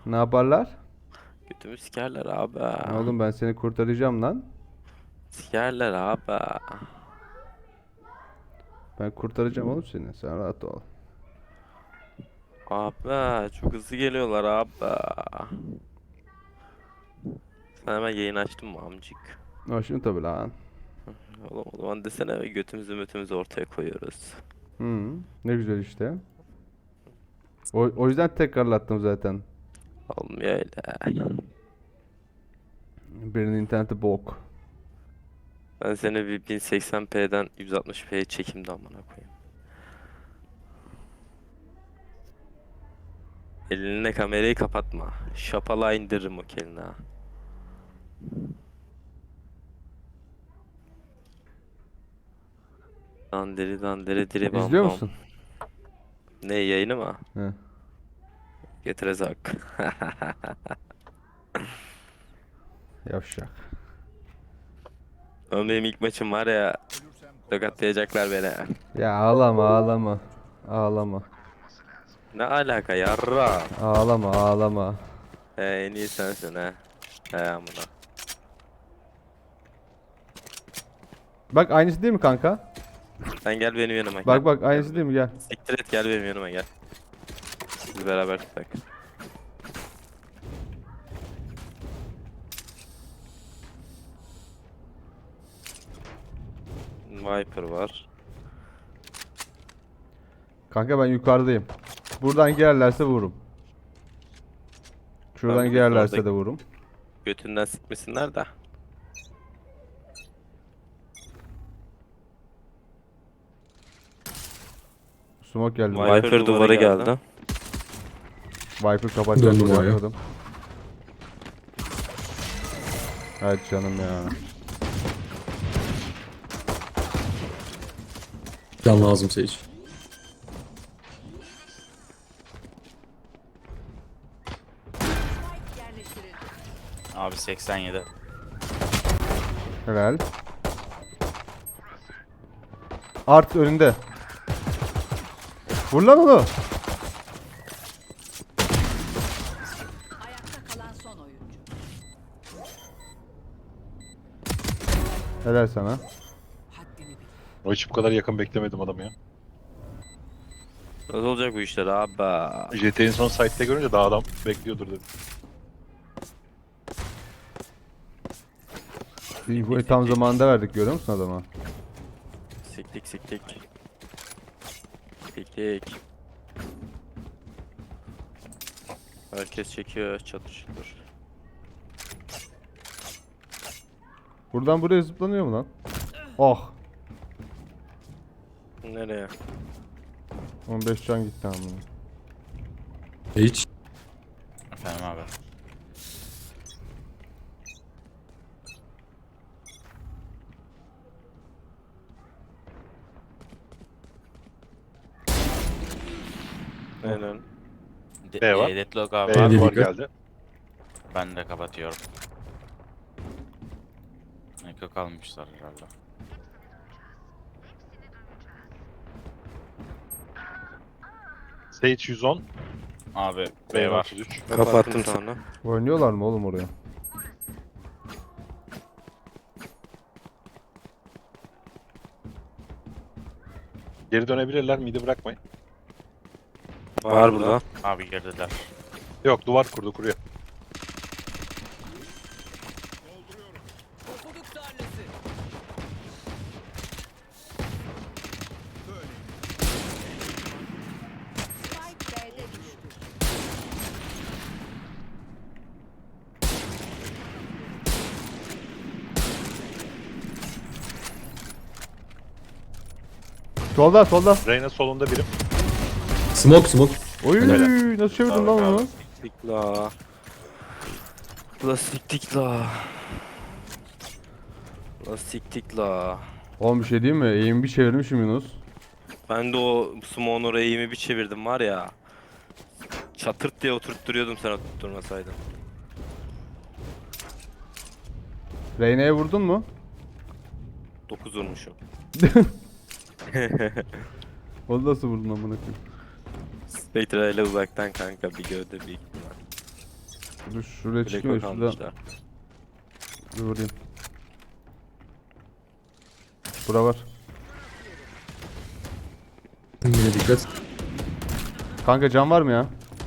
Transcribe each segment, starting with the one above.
Ne yaparlar? Götümü sikerler abi. Oğlum ben seni kurtaracağım lan. Sikerler abi. Ben kurtaracağım oğlum seni. Sen rahat ol. Abi çok hızlı geliyorlar abi. Sen hemen yayın açtın mı amcık? Hoşun tabii lan. Oğlum o zaman desene ve götümüzü ortaya koyuyoruz. Hı, ne güzel işte. O yüzden tekrarlattım zaten. Olmuyor öyle. Birinin interneti bok. Ben seni bir 1080p'den 160p'ye çekeyim de amına koyayım. Eline kamerayı kapatma. Şapala indiririm o kelini ha. Dandiri dandiri diri bam İzliyor bam. musun? Ne yayını mı? He. Getirezak. Yavşak. Oğlum benim ilk maçım var ya. Tokatlayacaklar beni. Ya ağlama ağlama. Ağlama. Ne alaka yarra? Ağlama ağlama. En iyi sensin he. He amına. Bak aynısı değil mi kanka? Sen gel benim yanıma gel. Bak bak aynısı Gel. değil mi gel. Siktir et gel benim yanıma gel. Biz beraber tutak. Viper var. Kanka ben yukarıdayım. Buradan girerlerse vururum. Şuradan Abi bizim girerlerse orada de vururum. götünden sikmesinler de. Smoke geldi. Viper duvarı geldi. Viper kapatacak Döndüm diye oraya. yapmadım. Evet canım ya. Can lazım Sage. Abi 87. Helal. Art önünde. Vur lan onu. Ayakta kalan son oyuncu. Helal sana. Haddini bil. O hiç bu kadar yakın beklemedim adamı ya. Nasıl olacak bu işler abi? JT'nin son site'de görünce daha adam bekliyordur dedim. İnfoyu tam zamanında verdik görüyor musun adama? Siktik siktik. Siktik. Herkes çekiyor çatır çatır. Buradan buraya zıplanıyor mu lan? Oh. Nereye? 15 can gitti ama. Sage. Efendim abi. Aynen. B var. Deadlock abi. B'ye Abi, duvar dikkat. geldi. Ben de kapatıyorum. Eko kalmışlar herhalde. Sage 110. Abi B B var. 33. Kapattım sonra. Oynuyorlar mı oğlum oraya? Geri dönebilirler. Midi bırakmayın. Var burada. Abi girdiler. Yok duvar kurdu kuruyor. Spike B'de düştü. Solda solda. Reyna solunda birim. Smoke smoke. Oy Helal. nasıl çevirdin lan onu? Siktik la. La siktik la. La siktik la. Oğlum bir şey diyeyim mi? Eğim bir çevirmişim Yunus. Ben de o Summoner eğimi bir çevirdim var ya. Çatırt diye oturtturuyordum sen oturtturmasaydın. Reyna'ya vurdun mu? 9 vurmuşum. Onu nasıl vurdun amına koyayım? Spectre ile uzaktan kanka bir gövde bir ihtimal. Dur şuraya Black çıkıyor Hawk şuradan. almışlar. Bir vurayım. Bura var. Mide dikkat. Kanka can var mı ya?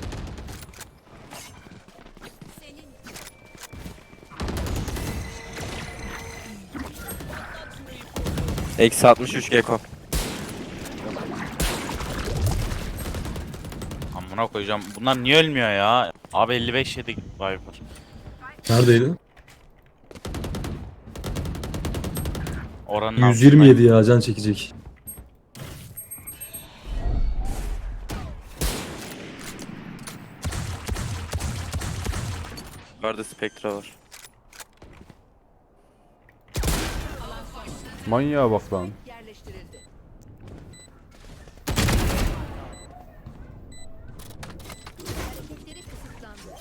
Eksi 63 Gecko. Amına koyacağım. Bunlar niye ölmüyor ya? Abi 55 yedi Viper. Neredeydi? Oranın 127 ya can çekecek. Yukarıda Spectra var. Manyağa bak lan. Yerleştirildi. Hareketleri kısıtlandı.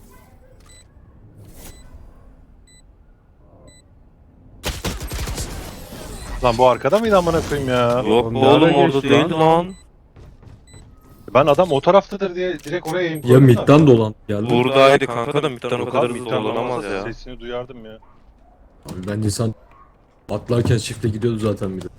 Lan bu arkada mıydı amına koyayım ya? Yok Oğlum, oğlum nereden orada geçti değildi lan. Ben adam o taraftadır diye direkt oraya aim Ya koydum da. midden dolan geldi. Buradaydı kanka da midden o kadar Abi hızlı midden dolanamaz dolanmasa ya. Sesini duyardım ya. Abi bence insan atlarken çifte gidiyordu zaten bir de.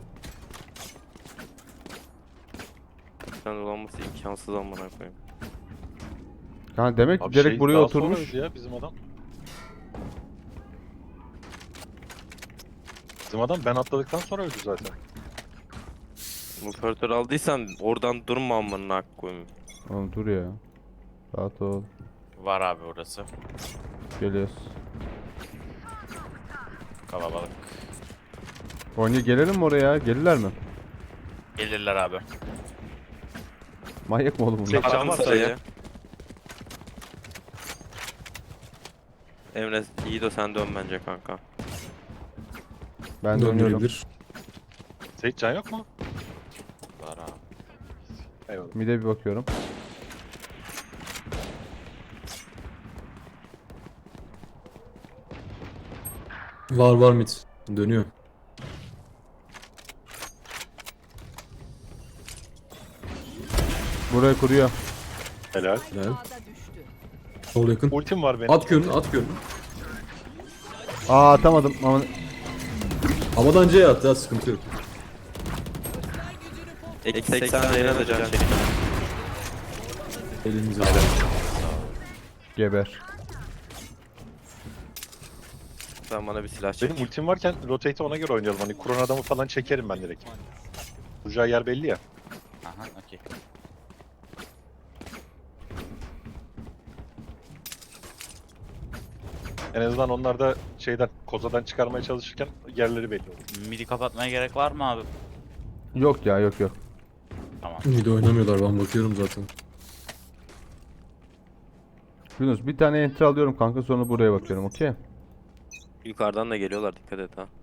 Midden dolanması imkansız amına koyayım. Kanka demek ki Abi direkt şey buraya daha oturmuş. sonraydı ya bizim adam. Bizim adam ben atladıktan sonra öldü zaten. Operatör aldıysan oradan durma amına koyayım. Oğlum dur ya. Rahat ol. Var abi orası. Geliyoruz. Kalabalık. Oyuncu gelelim mi oraya? Gelirler mi? Gelirler abi. Manyak mı oğlum bunlar? Tek can Attım var sırayı. sayı. Emre iyi de sen dön bence kanka. Ben dönüyorum. Döndürebilir. Seyit can yok mu? Var abi. Eyvallah. Mide bir bakıyorum. Var mid. Dönüyor. Buraya kuruyor. Helal. Helal. Ağda düştü. Sol yakın. Ultim var benim. At görünü at görünü. Aa atamadım ama Havadan C'ye at ya sıkıntı yok. Eksi 80 Reyna da can çekiyor. Elimize geber. Sen bana bir silah çek. Benim ultim varken rotate'i ona göre oynayalım. Hani kuran adamı falan çekerim ben direkt. Vuracağı yer belli ya. Aha okey. En azından onlar da şeyden, kozadan çıkarmaya çalışırken yerleri belli olur. Midi kapatmaya gerek var mı abi? Yok ya yok yok. Tamam. Mid oynamıyorlar ben bakıyorum zaten. Yunus bir tane enter alıyorum kanka sonra buraya bakıyorum okey. Yukarıdan da geliyorlar dikkat et ha.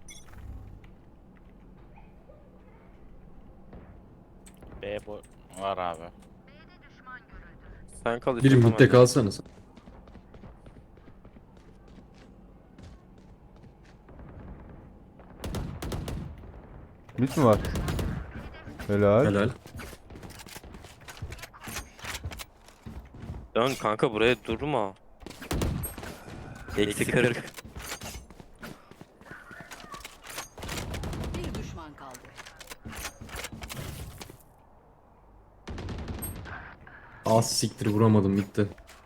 B bu var abi. Sen kal Biri istiyorsan midde ben de. kalsana sen. Mid mi var? Helal. Helal. Dön kanka buraya durma. Eksi 40. Bir düşman kaldı. Az siktir vuramadım midde.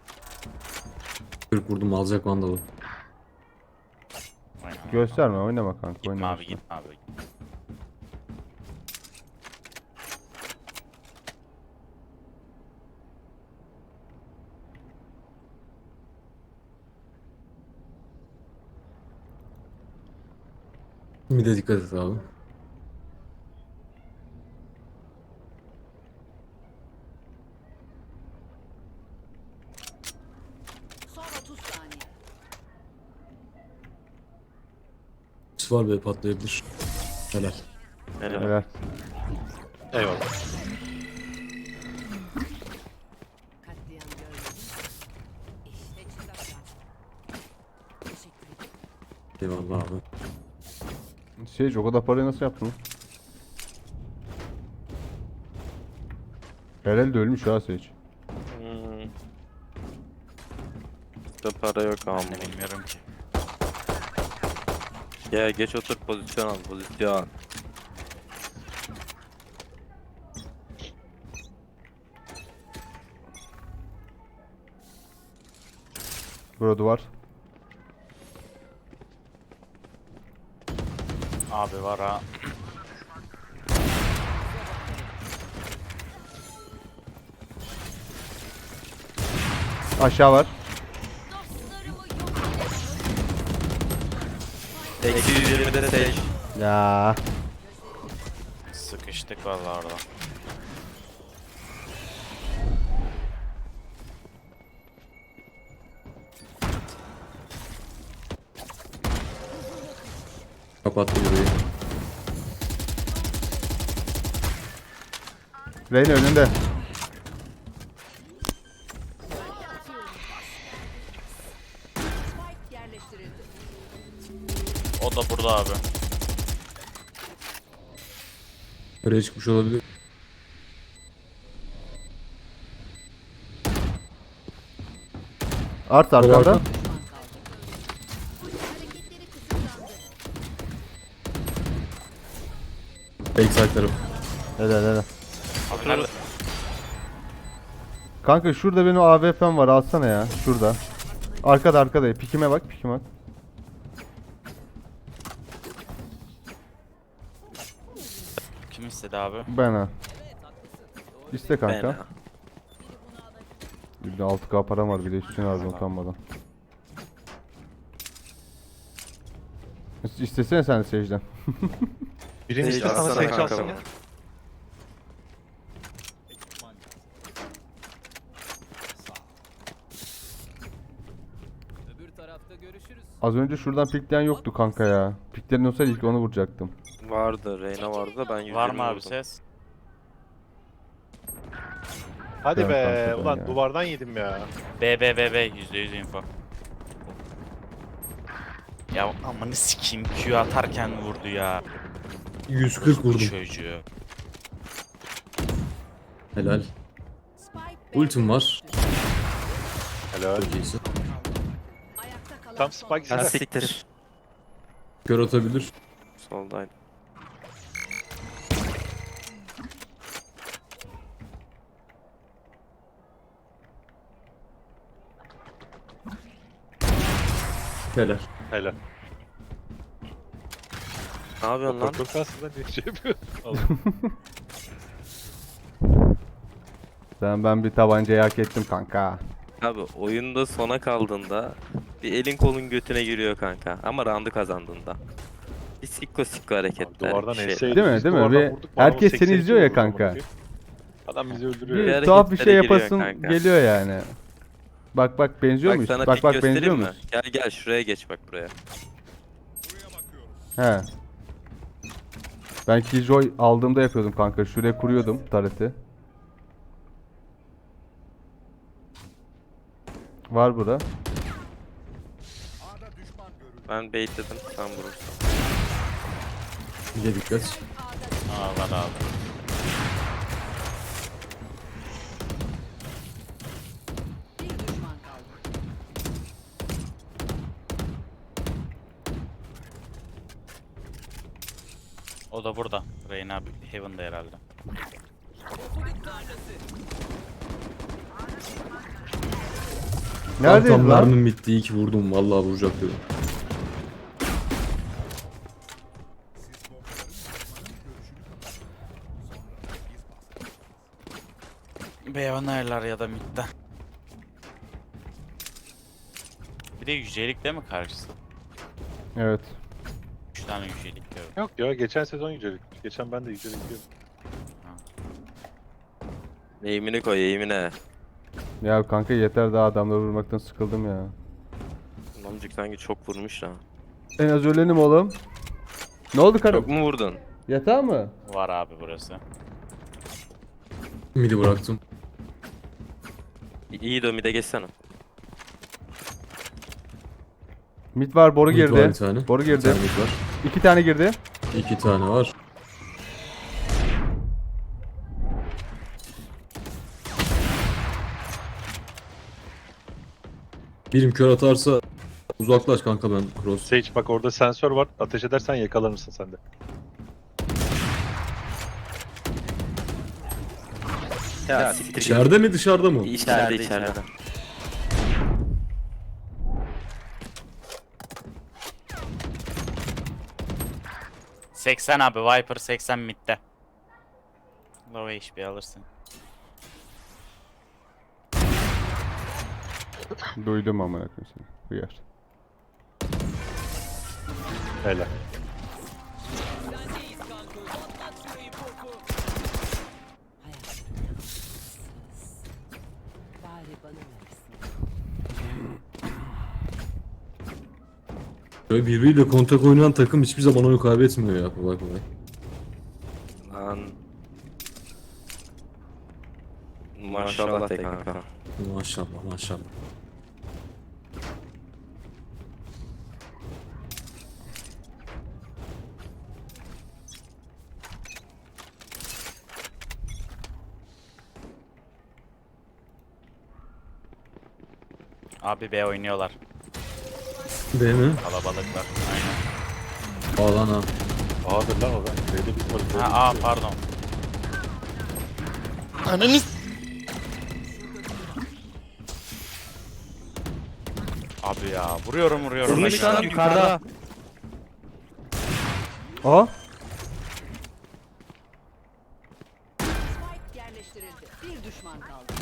40 vurdum alacak vandalı. Oynama. Gösterme oynama kanka Gitme oynama. abi gitme abi. Mid'e dikkat et abi. Son 30 saniye. Sis var be patlayabilir. Helal. Helal. Helal. Eyvallah. Katliam görmedim. İşte çıraklar. Teşekkür ederim. Eyvallah abi. Şey o kadar parayı nasıl yaptın lan? Herhalde ölmüş ha Sage. Hmm. Çok da para yok ama. Ben de bilmiyorum ki. Ya geç otur, pozisyon al, pozisyon. Burada duvar. Abi var ha. Aşağı var. Eksi 120'de seç. Ya. Sıkıştık vallahi orada. Kapattı burayı. Reyna önünde. Spike yerleştirildi. O da burada abi. Oraya çıkmış olabilir. Art arkada. Duvarda. Düşman kaldı. Hareketleri kısıtlandı. Backside tarafı. Helal helal. Abi nerede? Kanka şurada benim AWP'm var, alsana ya. Şurada. Arkada. Pikime bak. Kim istedi abi? Ben ha. İste Ben kanka. ha. Bir de 6K param var, bir de üstüne aldım utanmadan. İstesene sen de Sage'den. Birincisi Sage sana atsana Sage kanka alsın bana. ya. Az önce şuradan pikleyen yoktu kanka ya. Piklerin olsaydı ilk onu vuracaktım. Vardı, Reyna vardı da ben 120 Var mı abi vurdum. ses? Hadi Ben be. kanka, Ulan ya. duvardan yedim ya. B %100 info. Ya amanı sikeyim, Q atarken vurdu ya. 140 vurdum. Çocuğu. Helal. Spike Ultim var. Helal. Çok iyisin. Ayakta kalan Tam son Spike Ha size. siktir. Kör atabilir. Soldaydı. Helal. Helal. Ne yapıyorsun lan? Çok aslında bir şey yapıyor. Ben bir tabancayı hak ettim kanka. Abi oyunda sona kaldığında bir elin kolun götüne giriyor kanka. Ama round'u kazandığında. Bir sikko hareketler. Duvardan bir şey. enseydi. Değil mi, biz değil mi? duvardan Bir- vurduk, herkes bana seni 82 izliyor ya vurdu kanka. amına koyayım. Adam bizi öldürüyor Bir ya. hareketlere Tuhaf bir şey giriyor yapasın kanka. geliyor yani. Bak benziyor Bak muyuz? sana Bak pik benziyor göstereyim mi? muyuz? Gel şuraya geç bak buraya. He. Ben Killjoy aldığımda yapıyordum kanka. Şuraya kuruyordum tareti. Var burada. Ben baitledim, sen vurursun. Bir de dikkat. Aa var abi. bir düşman kaldı. O da burada. Reyna Heaven'da herhalde. Neredeyiz Tam lan? mermim bitti. İyi ki vurdum. Vallahi vuracak dedim. Beyonerler ya da midden. Bir de yücelik değil mi karşısı? Evet. 3 tane yücelik diyor. Yok ya geçen sezon yücelik. Geçen ben de yücelik diyordum. Eğimini koy, eğimine. Ya kanka yeter, daha adamları vurmaktan sıkıldım ya. Amcık sanki çok vurmuş ha. En az ölenim oğlum. Ne oldu karım? Çok mu vurdun? Yatağı mı? Var abi burası. Midi bıraktım. İyi de mide geçsene. Mid var, boru Mid girdi. var bir tane. Boru Bir girdi. tane mid var. 2 tane girdi. 2 tane var. Birim kör atarsa uzaklaş kanka ben cross. Sage bak orada sensör var. Ateş edersen yakalanırsın sen de. Ya siktir git. İçeride mi dışarıda mı? İçeride. 80 abi Viper 80 midde. Low HP alırsın. Duydum amına koyayım seni. Hıyar. Helal. Bari bana versin. Böyle birbiriyle kontak oynayan takım hiçbir zaman oyun kaybetmiyor ya kolay kolay. Lan. Maşallah de kanka. Maşallah maşallah. Abi B oynuyorlar. Değil mi? Kalabalıklar. Aynen. Ağlan ha. A'dır lan o da. Böyle bir Ha aa pardon. Abi ya vuruyorum. Vurmuş lan yukarıda. Aa! Spike yerleştirildi. Bir düşman kaldı.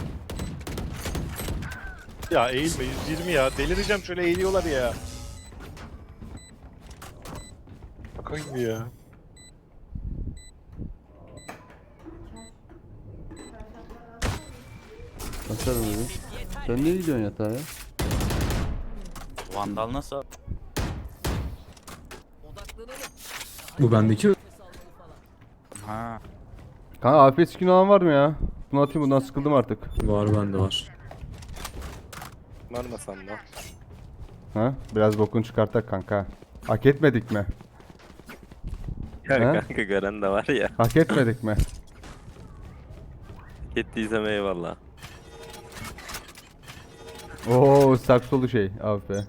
Ya eğilme 120 ya. Delireceğim şöyle eğiliyorlar ya. Bakayım bir ya. Bakarım dedim. Sen niye gidiyorsun yatağa ya? Vandal nasıl? Bu bendeki Ha. Kanka afiyet skin olan var mı ya? Bunu atayım, bundan sıkıldım artık. var bende var. Varmasam da. Ha? Biraz bokunu çıkartak kanka. Hak etmedik mi? Kanka gören de var ya. Hak etmedik mi? Gittiysem eyvallah. Oo, saksolu şey abi.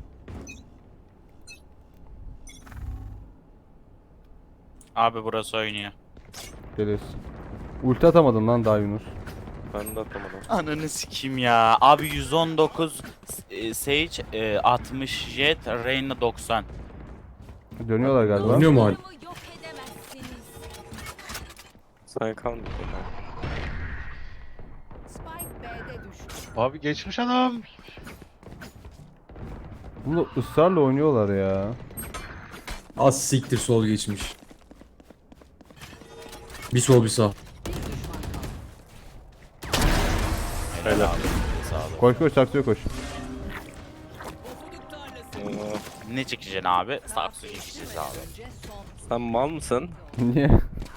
Abi burası oynuyor. Geliyoruz. Ulti atamadın lan daha Yunus. Ben de atamadım. Ananı sikeyim ya. Abi 119 Sage 60 Jet Reyna 90. Dönüyorlar galiba. Oynuyor mu hala? Yok edemezsiniz. Sen kalmadın. Spike B'de düştü. Abi geçmiş adam. Bunu ısrarla oynuyorlar ya. Az siktir sol geçmiş. Bir sol bir sağ. Bir düşman kaldı. Helal. Sağ ol. Koş koş, saksıya koş. Ne çekeceksin abi? Saksı çekeceğiz abi. Önce son. Sen mal mısın? Niye?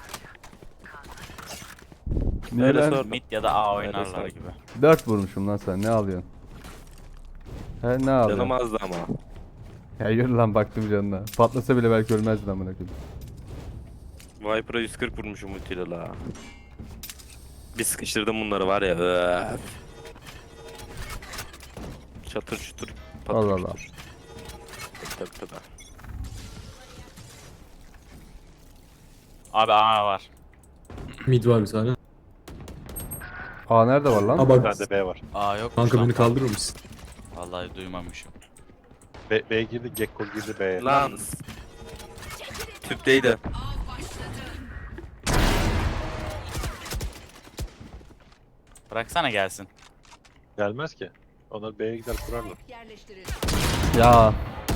Niye Öyle lan? sor. Mid ya da A oynarlar sor. gibi. 4 vurmuşum lan sen, ne alıyorsun? He, ne alıyorsun? Canım azdı ama. Ya yürü lan, baktım canına. Patlasa bile belki ölmezdin amına koyayım. Viper'a 140 vurmuşum ultiyle la. Bir sıkıştırdım bunları var ya. Öf. Çatır çutur. patır Allah Allah. çutur. Tabii tabii. Abi A var. Mid var bir tane. Aa, nerede var lan? Ha Bir bak tane de B var. A yok. kanka beni kaldırır mısın? Vallahi duymamışım. B girdi, Gekko girdi B'ye. Lan. Tüpteydi. Bıraksana gelsin. Gelmez ki. Onlar B'ye gider kurarlar. Spike yerleştirildi. Ya.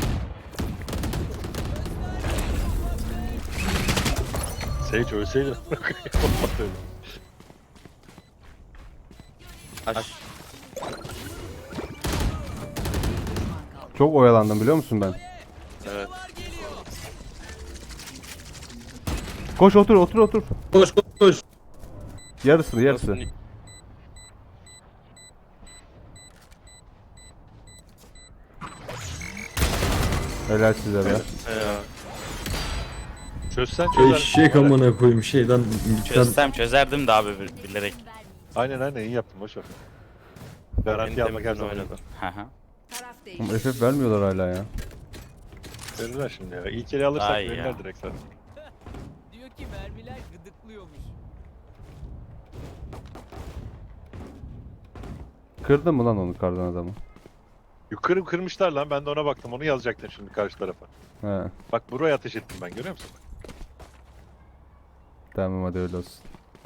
Sage ölseydi. Olmaz öyle. Aş. Çok oyalandım biliyor musun ben? Evet. Koş, otur otur otur. Koş koş koş. Yarısı yarısı. Nasıl- Helal size be. Ya. Çözsen çözer. Eşek amına koyayım şeyden midden. Çözsem çözerdim de abi bilerek. Aynen iyi yaptın boş ver. En Garanti almak her temizini zaman. oynadı. Hı hı. Taraf Ama değişti. FF vermiyorlar hala ya. Verirler şimdi ya. İlk eli alırsak Ay verirler ya. direkt zaten. Diyor ki mermiler gıdıklıyormuş. Kırdın mı lan onu kardan adamı? Yukarı kırmışlar lan. Ben de ona baktım. Onu yazacaktım şimdi karşı tarafa. He. Bak buraya ateş ettim ben. Görüyor musun? Tamam hadi öyle olsun.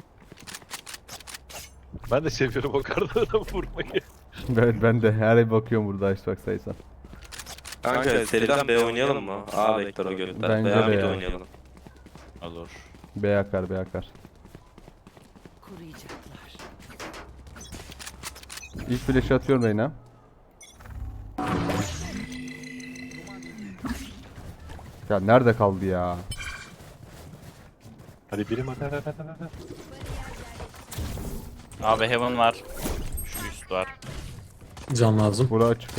Ben de seviyorum o kardan adamı vurmayı. Ben de her ay bakıyorum burada Icebox sayısan. Kanka seriden B oynayalım mı? A vektörü göster. Bence Veya de mid ya. oynayalım. Olur. B akar B akar. Kuruyacaklar. İlk flash'ı atıyorum Reyna. Ya nerede kaldı ya? Hadi birim hadi. Abi Heaven var. Şu üst var. Can lazım. Bura açık ha.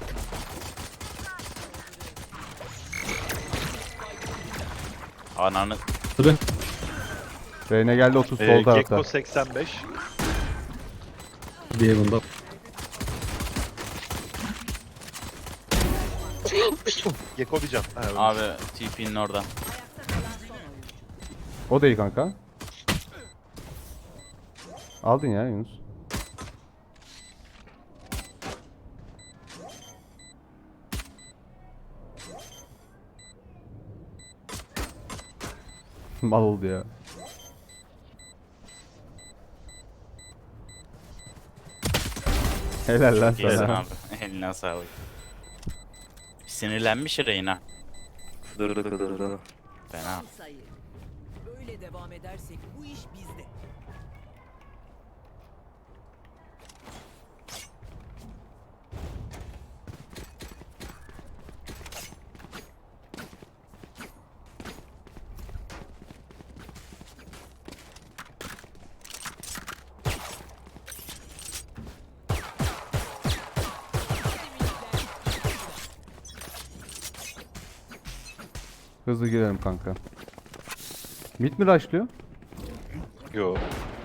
Ananı. Hadi. Reyna geldi 30 sol tarafta. Gekko 85. Bir evinde. Gekko bir can. Ha, ölmüş. Abi TP'nin orada. Ayakta kalan son oyuncu. O da iyi kanka. Aldın ya Yunus. Mal oldu ya. Helal lan Kesin sana. abi. Eline sağlık. Sinirlenmiş Reyna. Dur. Fena. Sayı. Böyle devam edersek bu iş bizde. Hızlı girelim kanka. Mid mi rushlıyor? Yo.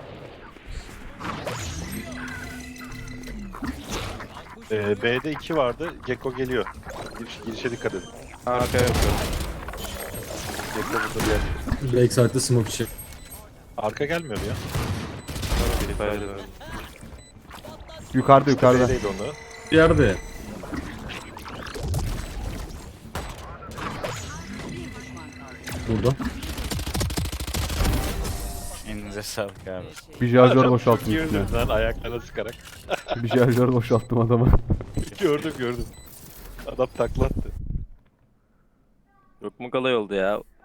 B'de 2 vardı. Gekko geliyor. Girişe dikkat edin. Arka yok. Gekko burada bir yer. Backside'de smoke içi. Arka gelmiyor mu ya? Yukarıda yukarıda. B'deydi onu. Bir yerde. Burada. Elinize sağlık abi. Bir şarjör boşalttım üstüne. Girdim lan ayaklarına sıkarak. Bir şarjör boşalttım adama. gördüm. Adam taklattı. Çok mu kolay oldu ya?